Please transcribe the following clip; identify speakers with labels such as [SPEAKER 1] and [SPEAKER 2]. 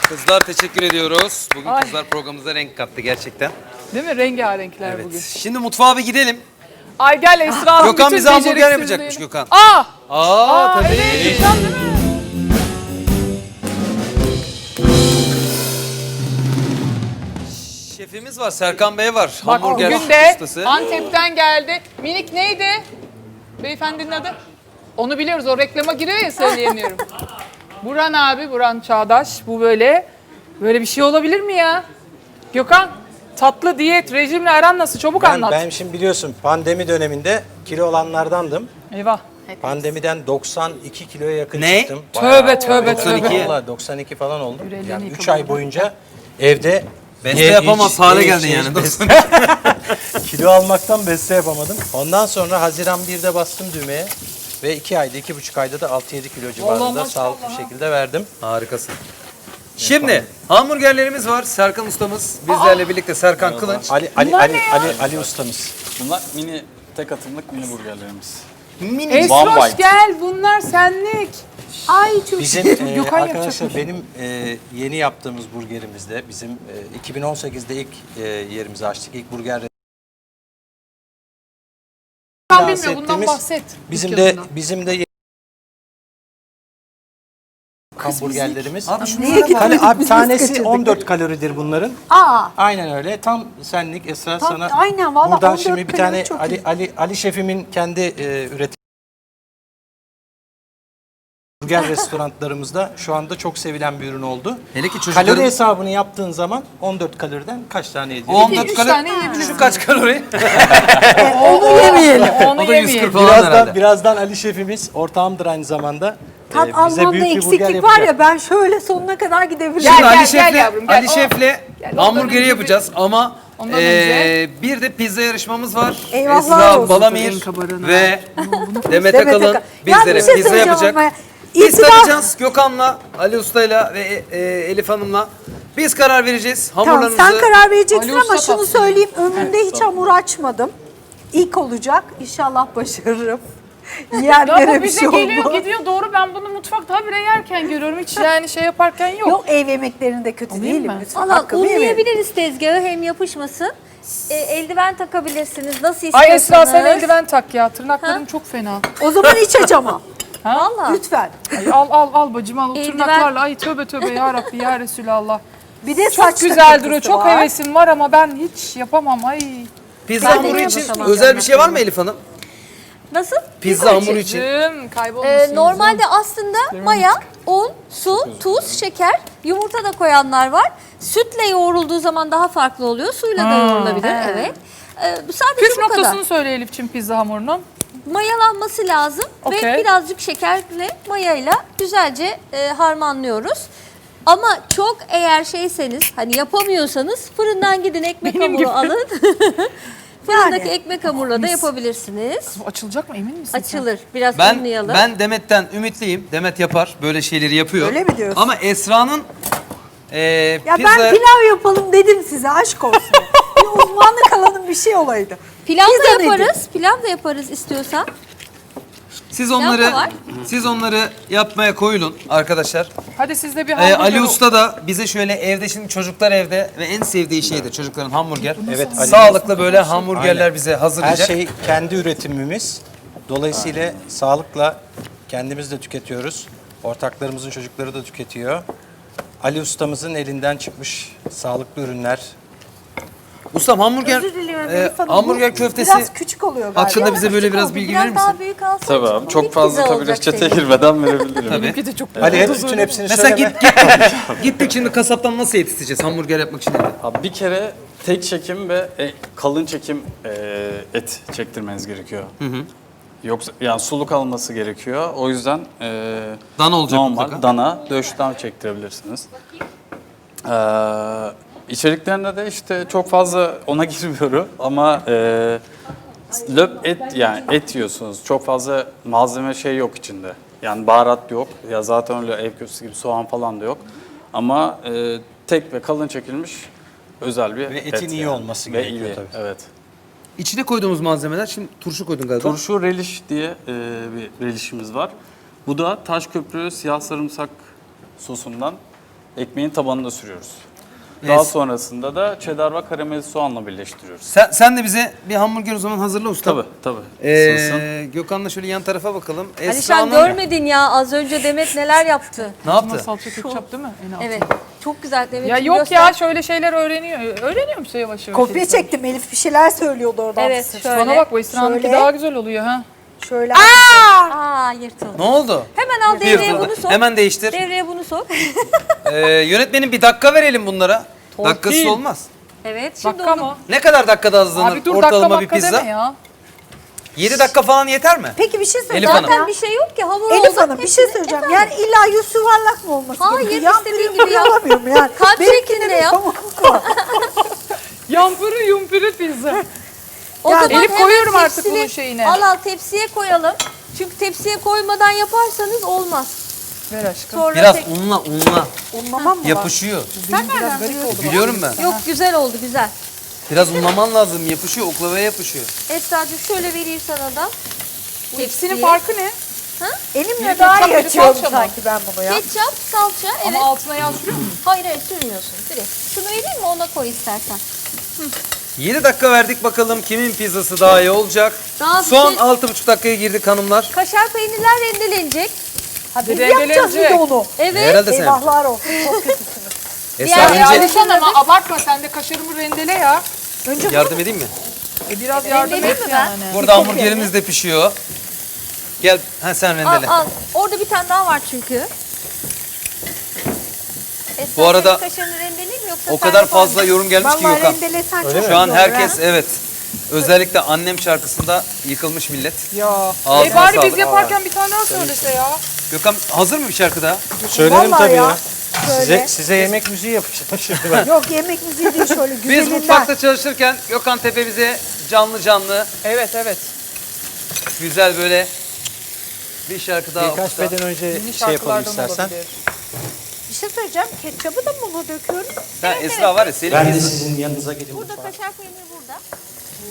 [SPEAKER 1] Kızlar teşekkür ediyoruz. Bugün
[SPEAKER 2] Ay.
[SPEAKER 1] kızlar programımıza renk kattı gerçekten.
[SPEAKER 2] Değil mi? Rengarenkler
[SPEAKER 1] Evet.
[SPEAKER 2] bugün.
[SPEAKER 1] Şimdi mutfağa bir gidelim.
[SPEAKER 2] Ay gel Esra Hanım.
[SPEAKER 1] Gökhan
[SPEAKER 2] bütün
[SPEAKER 1] bize hamburger
[SPEAKER 2] beceriksizliğini-
[SPEAKER 1] yapacakmış Gökhan. Tabii.
[SPEAKER 2] Evet, Gökhan değil mi?
[SPEAKER 1] Şefimiz var, Serkan Bey var.
[SPEAKER 2] Bak
[SPEAKER 1] Hamburger
[SPEAKER 2] bugün de
[SPEAKER 1] ustası.
[SPEAKER 2] Antep'ten geldi. Minik neydi? Beyefendinin adı? Onu biliyoruz. O reklama giriyor ya söyleyemiyorum. Burhan abi, Burhan Çağdaş. Bu böyle bir şey olabilir mi ya? Gökhan, tatlı diyet, rejimle aran nasıl? Çabuk anlat.
[SPEAKER 3] Ben şimdi biliyorsun pandemi döneminde kilo olanlardandım.
[SPEAKER 2] Eyvah.
[SPEAKER 3] Pandemiden 92 kiloya yakın
[SPEAKER 1] Ne?
[SPEAKER 3] çıktım.
[SPEAKER 2] Tövbe tövbe
[SPEAKER 1] 92.
[SPEAKER 2] tövbe.
[SPEAKER 3] Vallahi 92 falan oldum.
[SPEAKER 2] Yüreğini
[SPEAKER 3] Yani 3
[SPEAKER 2] yıkamadım.
[SPEAKER 3] ay boyunca evde
[SPEAKER 1] Beste yapamaz hale geldin yani.
[SPEAKER 3] kilo almaktan beste yapamadım. Ondan sonra Haziran 1'de bastım düğmeye ve 2 ayda, 2,5 ayda da 6-7 kilo civarında
[SPEAKER 2] maşallah.
[SPEAKER 3] sağlıklı bir şekilde verdim.
[SPEAKER 1] Harikasın. Şimdi hamburgerlerimiz var. Serkan ustamız bizlerle birlikte, Serkan Kılınç.
[SPEAKER 3] Ali ustamız.
[SPEAKER 4] Bunlar mini tek atımlık mini burgerlerimiz.
[SPEAKER 1] Mini.
[SPEAKER 4] One
[SPEAKER 2] Esroş
[SPEAKER 4] bite.
[SPEAKER 2] gel, bunlar senlik. Ay çok
[SPEAKER 3] Bizim
[SPEAKER 2] Gökhan
[SPEAKER 3] arkadaşlar
[SPEAKER 2] yapacakmış.
[SPEAKER 3] benim yeni yaptığımız burgerimizde bizim 2018'de ilk yerimizi açtık. İlk burger
[SPEAKER 2] Gökhan bilmiyor, bundan
[SPEAKER 3] bahsettiğimiz
[SPEAKER 2] bahset.
[SPEAKER 3] bizim de hamburgerlerimiz.
[SPEAKER 1] Abi şunu
[SPEAKER 3] Abi tanesi 14 kaloridir bunların. Aynen öyle. Tam senlik Esra
[SPEAKER 5] Tam-
[SPEAKER 3] sana.
[SPEAKER 5] aynen, vallahi
[SPEAKER 3] Buradan
[SPEAKER 5] 14
[SPEAKER 3] şimdi bir
[SPEAKER 5] kalori
[SPEAKER 3] tane
[SPEAKER 5] çok
[SPEAKER 3] Ali şefimin kendi üretim burger restoranlarımızda şu anda çok sevilen bir ürün oldu.
[SPEAKER 1] Hele ki çocukların...
[SPEAKER 3] Kalori hesabını yaptığın zaman 14 kaloriden kaç tane ediyor?
[SPEAKER 1] 14
[SPEAKER 2] üç
[SPEAKER 1] kalori.
[SPEAKER 2] tane yiyebilirsin.
[SPEAKER 1] Şu kaç kalori?
[SPEAKER 2] Onu yemeyelim. Onu
[SPEAKER 1] O da 140
[SPEAKER 2] yemeyelim.
[SPEAKER 1] falan herhalde.
[SPEAKER 3] Birazdan Ali şefimiz ortağımdır aynı zamanda.
[SPEAKER 5] Tat
[SPEAKER 3] Bize
[SPEAKER 5] almamda
[SPEAKER 3] büyük bir burger
[SPEAKER 5] eksiklik var
[SPEAKER 3] yapacak.
[SPEAKER 5] ya, ben şöyle sonuna kadar gidebilirim.
[SPEAKER 2] Gel,
[SPEAKER 1] Şimdi
[SPEAKER 2] gel,
[SPEAKER 1] Ali
[SPEAKER 2] gel
[SPEAKER 1] Şef'le
[SPEAKER 2] yavrum, gel.
[SPEAKER 1] Ali Şef'le
[SPEAKER 2] ondan
[SPEAKER 1] hamburgeri
[SPEAKER 2] önce
[SPEAKER 1] yapacağız ama
[SPEAKER 2] Ondan önce-
[SPEAKER 1] bir de pizza yarışmamız var.
[SPEAKER 5] Eyvahlar
[SPEAKER 1] Esra
[SPEAKER 5] olsun.
[SPEAKER 1] Balamir
[SPEAKER 2] Renk kabarına.
[SPEAKER 1] ve Demet
[SPEAKER 5] Demet
[SPEAKER 1] Akalın
[SPEAKER 5] Akalın.
[SPEAKER 1] bizlere
[SPEAKER 5] Ya bir şey
[SPEAKER 1] pizza
[SPEAKER 5] söyleyeceğim
[SPEAKER 1] yapacak.
[SPEAKER 5] ama
[SPEAKER 1] Biz
[SPEAKER 5] İtibar-
[SPEAKER 1] tadacağız Gökhan'la, Ali Usta'yla ve Elif Hanım'la. Biz karar vereceğiz.
[SPEAKER 5] Tamam,
[SPEAKER 1] Hamurlarımızı...
[SPEAKER 5] sen karar vereceksin
[SPEAKER 2] Ali
[SPEAKER 5] ama
[SPEAKER 2] Usta
[SPEAKER 5] şunu
[SPEAKER 2] tatsın.
[SPEAKER 5] söyleyeyim, ömrümde hiç hamur açmadım. İlk olacak. İnşallah başarırım.
[SPEAKER 2] Ya
[SPEAKER 5] Yiyenlere
[SPEAKER 2] bu
[SPEAKER 5] bir
[SPEAKER 2] bize
[SPEAKER 5] şey
[SPEAKER 2] geliyor
[SPEAKER 5] olmaz.
[SPEAKER 2] gidiyor, doğru, ben bunu mutfakta habire yerken görüyorum, hiç yani şey yaparken yok.
[SPEAKER 5] Yok, ev yemeklerinde kötü
[SPEAKER 2] Alayım
[SPEAKER 5] değilim
[SPEAKER 2] mı?
[SPEAKER 5] lütfen.
[SPEAKER 6] Valla
[SPEAKER 5] Hakkımı yemeyin.
[SPEAKER 6] unlayabiliriz tezgahı, hem yapışmasın. Eldiven takabilirsiniz nasıl
[SPEAKER 2] Ay
[SPEAKER 6] istiyorsanız.
[SPEAKER 2] Esra sen eldiven tak ya, tırnaklarım çok fena.
[SPEAKER 5] O zaman hiç açamam.
[SPEAKER 6] Valla.
[SPEAKER 5] Lütfen.
[SPEAKER 2] Ay, al bacım al, o
[SPEAKER 6] Eldiven-
[SPEAKER 2] tırnaklarla, ay tövbe tövbe ya Rabbi ya Resulallah.
[SPEAKER 5] Bir de
[SPEAKER 2] Çok
[SPEAKER 5] saç
[SPEAKER 2] güzel
[SPEAKER 5] takıntısı
[SPEAKER 2] duruyor, çok
[SPEAKER 5] var.
[SPEAKER 2] hevesim var ama ben hiç yapamam ay.
[SPEAKER 1] Pizza
[SPEAKER 6] Ben de
[SPEAKER 1] hamuru için
[SPEAKER 6] yapamam.
[SPEAKER 1] özel bir şey var mı Elif Hanım?
[SPEAKER 6] Nasıl?
[SPEAKER 1] Pizza hamuru için.
[SPEAKER 2] Kaybolmuşsunuz.
[SPEAKER 6] Normalde aslında maya, un, su, tuz, şeker, yumurta da koyanlar var. Sütle yoğrulduğu zaman daha farklı oluyor. Suyla da yoğrulabilir. Evet. Bu sadece
[SPEAKER 2] Püf
[SPEAKER 6] bu kadar.
[SPEAKER 2] noktasını söyle Elif'ciğim pizza hamurunun.
[SPEAKER 6] Mayalanması lazım
[SPEAKER 2] Okey.
[SPEAKER 6] ve birazcık şekerle mayayla güzelce harmanlıyoruz. Ama çok eğer şeyseniz, hani yapamıyorsanız fırından gidin ekmek
[SPEAKER 2] Benim
[SPEAKER 6] hamuru
[SPEAKER 2] gibi.
[SPEAKER 6] alın. Fırındaki
[SPEAKER 5] Yani.
[SPEAKER 6] ekmek hamurla da yapabilirsiniz.
[SPEAKER 2] Bu açılacak mı, emin misin sen?
[SPEAKER 6] Açılır. Biraz
[SPEAKER 1] Ben
[SPEAKER 6] unlayalım.
[SPEAKER 1] Demet'ten ümitliyim. Demet yapar. Böyle şeyleri yapıyor.
[SPEAKER 5] Öyle mi diyorsun?
[SPEAKER 1] Ama Esra'nın
[SPEAKER 5] Ya
[SPEAKER 1] pizza...
[SPEAKER 5] ben pilav yapalım dedim size, aşk olsun. Bir uzmanlık alanım bir şey olaydı.
[SPEAKER 6] Pilav da
[SPEAKER 5] Pizza nedir?
[SPEAKER 6] yaparız. Pilav da yaparız istiyorsan.
[SPEAKER 1] Siz
[SPEAKER 6] var.
[SPEAKER 1] onları yapmaya koyulun arkadaşlar.
[SPEAKER 2] Hadi siz de bir hamburger.
[SPEAKER 1] Ali Usta da bize şöyle evde, şimdi çocuklar evde ve en sevdiği şey de çocukların hamburger.
[SPEAKER 3] Evet, Ali.
[SPEAKER 1] Sağlıklı böyle hamburgerler
[SPEAKER 3] Aynen.
[SPEAKER 1] bize
[SPEAKER 3] Her
[SPEAKER 1] hazırlayacak.
[SPEAKER 3] şey kendi üretimimiz. Dolayısıyla sağlıkla kendimiz de tüketiyoruz. Ortaklarımızın çocukları da tüketiyor. Ali ustamızın elinden çıkmış sağlıklı ürünler.
[SPEAKER 1] Ustam hamburger,
[SPEAKER 5] Özür diliyorum Elif Hanım,
[SPEAKER 1] hamburger
[SPEAKER 5] bu
[SPEAKER 1] köftesi
[SPEAKER 5] biraz küçük oluyor galiba.
[SPEAKER 1] hakkında bize böyle biraz bilgi verir
[SPEAKER 6] Biraz daha
[SPEAKER 1] misin?
[SPEAKER 6] büyük alsın.
[SPEAKER 4] Tabii abi. Çok
[SPEAKER 6] İlk
[SPEAKER 4] fazla
[SPEAKER 6] pizza
[SPEAKER 4] tabii
[SPEAKER 6] olacak
[SPEAKER 4] reçete
[SPEAKER 6] senin.
[SPEAKER 4] girmeden verebilirim.
[SPEAKER 1] Tabii.
[SPEAKER 2] Benimki de çok
[SPEAKER 3] Ali hep bütün hepsini
[SPEAKER 1] Mesela
[SPEAKER 3] söyleme.
[SPEAKER 1] gittik şimdi kasaptan nasıl yetiştireceğiz hamburger yapmak için?
[SPEAKER 4] Abi bir kere tek çekim ve kalın çekim et çektirmeniz gerekiyor. Yoksa yani suluk alması gerekiyor. O yüzden
[SPEAKER 1] Dana olacak
[SPEAKER 4] normal
[SPEAKER 1] mutlaka.
[SPEAKER 4] dana, döşten çektirebilirsiniz. İçeriklerinde de işte çok fazla ona girmiyorum ama löp et, yani et yiyorsunuz. Çok fazla malzeme şey yok içinde. Yani baharat yok. Ya zaten öyle ev köftesi gibi soğan falan da yok. Ama tek ve kalın çekilmiş özel bir
[SPEAKER 3] Ve
[SPEAKER 4] et.
[SPEAKER 3] etin iyi
[SPEAKER 4] yani.
[SPEAKER 3] olması
[SPEAKER 4] Ve
[SPEAKER 3] gerekiyor
[SPEAKER 4] iyi,
[SPEAKER 3] tabii.
[SPEAKER 4] evet.
[SPEAKER 1] İçine koyduğumuz malzemeler, şimdi turşu koydun galiba.
[SPEAKER 4] Turşu relish diye bir relişimiz var. Bu da Taşköprü siyah sarımsak sosundan Ekmeğin tabanına sürüyoruz. Daha sonrasında da cheddar ve karamelize soğanla birleştiriyoruz.
[SPEAKER 1] Sen de bize bir hamburger o zaman hazırla usta.
[SPEAKER 4] Tabii. Isınsın.
[SPEAKER 1] Gökhan'la şöyle yan tarafa bakalım. Esra
[SPEAKER 6] Alişan
[SPEAKER 1] Hanım
[SPEAKER 6] görmedin ya az önce Demet neler yaptı.
[SPEAKER 1] ne yaptı?
[SPEAKER 2] Salça ketçap değil mi? En altında.
[SPEAKER 6] Evet. Çok güzel Demet.
[SPEAKER 2] Ya yok ya şöyle şeyler öğreniyor. Öğreniyor musun yavaş yavaş?
[SPEAKER 5] Kopya çektim, Elif bir şeyler söylüyordu oradan.
[SPEAKER 6] Evet şöyle.
[SPEAKER 2] Bana bak bu Esra'nınki
[SPEAKER 5] Şöyle.
[SPEAKER 2] daha güzel oluyor ha.
[SPEAKER 5] Şöyle.
[SPEAKER 6] Aa yırtıldı.
[SPEAKER 1] Ne oldu?
[SPEAKER 6] Hemen al devreye
[SPEAKER 1] Yırtıldı.
[SPEAKER 6] bunu sok.
[SPEAKER 1] Hemen değiştir.
[SPEAKER 6] Devreye bunu sok.
[SPEAKER 1] Yönetmenim bir dakika verelim bunlara.
[SPEAKER 2] Torpil.
[SPEAKER 1] Dakikasız olmaz.
[SPEAKER 6] Evet şimdi
[SPEAKER 2] Dakika
[SPEAKER 6] onu.
[SPEAKER 2] mı?
[SPEAKER 1] Ne kadar dakikada hazırlanır
[SPEAKER 2] Abi dur
[SPEAKER 1] ortalama
[SPEAKER 2] dakika
[SPEAKER 1] bir pizza?
[SPEAKER 2] deme ya.
[SPEAKER 1] 7 dakika falan yeter mi?
[SPEAKER 5] Peki bir şey
[SPEAKER 1] Elif
[SPEAKER 5] söyleyeceğim.
[SPEAKER 1] Hanım.
[SPEAKER 6] Zaten bir şey yok ki hamur
[SPEAKER 5] Elif
[SPEAKER 6] oldu.
[SPEAKER 5] Hanım bir şey söyleyeceğim. Yani illa yüz yuvarlak mı olması
[SPEAKER 6] Hayır,
[SPEAKER 5] gerekiyor? Yan
[SPEAKER 6] istediğin
[SPEAKER 5] pürüm
[SPEAKER 6] gibi yap.
[SPEAKER 5] alamıyorum yani.
[SPEAKER 6] Kalp
[SPEAKER 5] Benimkinde
[SPEAKER 6] şeklinde
[SPEAKER 5] bir
[SPEAKER 6] yap.
[SPEAKER 5] pamukluk var.
[SPEAKER 2] Yampırı yumpırı pizza.
[SPEAKER 6] O
[SPEAKER 5] Yani
[SPEAKER 6] zaman
[SPEAKER 2] Elif
[SPEAKER 6] hemen
[SPEAKER 2] koyuyorum artık
[SPEAKER 6] tepsili-
[SPEAKER 2] bunun şeyine.
[SPEAKER 6] Al tepsiye koyalım. Çünkü tepsiye koymadan yaparsanız olmaz.
[SPEAKER 2] Ver aşkım.
[SPEAKER 6] Sonra
[SPEAKER 1] Biraz
[SPEAKER 6] tek-
[SPEAKER 1] unla
[SPEAKER 5] Unlamam mı var?
[SPEAKER 1] yapışıyor.
[SPEAKER 5] Sen nereden biliyorsun?
[SPEAKER 1] Biliyorum ben.
[SPEAKER 6] Yok güzel oldu güzel.
[SPEAKER 1] Biraz unlaman lazım. Yapışıyor. Oklavaya yapışıyor.
[SPEAKER 6] Esra'cığım şöyle vereyim sana da.
[SPEAKER 2] Hepsinin
[SPEAKER 6] Tepsiye.
[SPEAKER 2] farkı ne?
[SPEAKER 5] Elimle
[SPEAKER 2] Biri
[SPEAKER 5] daha iyi
[SPEAKER 2] ketçap, biri
[SPEAKER 5] açıyorum
[SPEAKER 2] salça mı?
[SPEAKER 5] sanki ben bunu ya.
[SPEAKER 6] Ketçap, salça evet.
[SPEAKER 2] Ama altına yağ sürüyor musun?
[SPEAKER 6] Hayır sürmüyorsun direkt. Şunu vereyim mi ona koy istersen.
[SPEAKER 1] 7 dakika verdik bakalım kimin pizzası daha iyi olacak.
[SPEAKER 6] Daha bir
[SPEAKER 1] Son
[SPEAKER 6] şey-
[SPEAKER 1] 6,5 dakikaya girdik hanımlar.
[SPEAKER 6] Kaşar peynirler rendelenecek.
[SPEAKER 5] Ha, biz
[SPEAKER 2] Rendelenecek.
[SPEAKER 5] yapacağız bir de onu.
[SPEAKER 6] Evet.
[SPEAKER 1] Herhalde sen.
[SPEAKER 5] Eyvahlar olsun. Çok kötüsünüz.
[SPEAKER 1] Esra
[SPEAKER 6] Diğer-
[SPEAKER 1] önce
[SPEAKER 2] Alişan ama abartma sen de kaşarımı rendele ya.
[SPEAKER 5] Önce
[SPEAKER 1] yardım edeyim mi?
[SPEAKER 2] Biraz yardım
[SPEAKER 6] Rendeleyeyim
[SPEAKER 2] et
[SPEAKER 6] mi ben?
[SPEAKER 2] yani.
[SPEAKER 1] Burada hamburgerimiz de pişiyor. Gel sen rendele.
[SPEAKER 6] Al. Orada bir tane daha var çünkü. Esra,
[SPEAKER 1] Bu arada
[SPEAKER 6] senin kaşarını rendeleyeyim mi yoksa
[SPEAKER 1] O
[SPEAKER 6] sen
[SPEAKER 1] kadar
[SPEAKER 6] yapar mısın?
[SPEAKER 1] fazla yorum gelmiş ki
[SPEAKER 5] vallahi
[SPEAKER 1] Gökhan.
[SPEAKER 5] rendelesen çok
[SPEAKER 3] Öyle mi?
[SPEAKER 5] iyi
[SPEAKER 1] Şu an
[SPEAKER 5] olur
[SPEAKER 1] herkes
[SPEAKER 5] ha.
[SPEAKER 1] evet. Özellikle annem şarkısında yıkılmış millet.
[SPEAKER 2] Ya.
[SPEAKER 1] Ağzına
[SPEAKER 2] Bari
[SPEAKER 1] sağlık.
[SPEAKER 2] biz yaparken bir tane daha söylese ya.
[SPEAKER 1] Gökhan hazır mı bir şarkı daha?
[SPEAKER 3] Söylerim
[SPEAKER 5] Vallahi
[SPEAKER 3] tabii
[SPEAKER 5] ya.
[SPEAKER 3] ya.
[SPEAKER 5] Şöyle.
[SPEAKER 3] Size yemek müziği yapacağım şimdi ben.
[SPEAKER 5] Yok yemek müziği değil şöyle
[SPEAKER 1] Biz
[SPEAKER 5] güzelinden.
[SPEAKER 1] mutfakta çalışırken Gökhan Tepe bize canlı
[SPEAKER 2] Evet evet.
[SPEAKER 1] güzel böyle bir şarkı daha
[SPEAKER 3] Birkaç
[SPEAKER 1] okusa.
[SPEAKER 3] beden önce
[SPEAKER 2] Yeni
[SPEAKER 3] şey yapalım
[SPEAKER 2] şarkılardan
[SPEAKER 3] istersen.
[SPEAKER 2] olabilir.
[SPEAKER 5] Bir şey söyleyeceğim. Ketçabı da mı buna döküyoruz?
[SPEAKER 1] Sen Esra var ya senin
[SPEAKER 3] Ben de sizin yanınıza geleyim.
[SPEAKER 6] Burada kaşar peyniri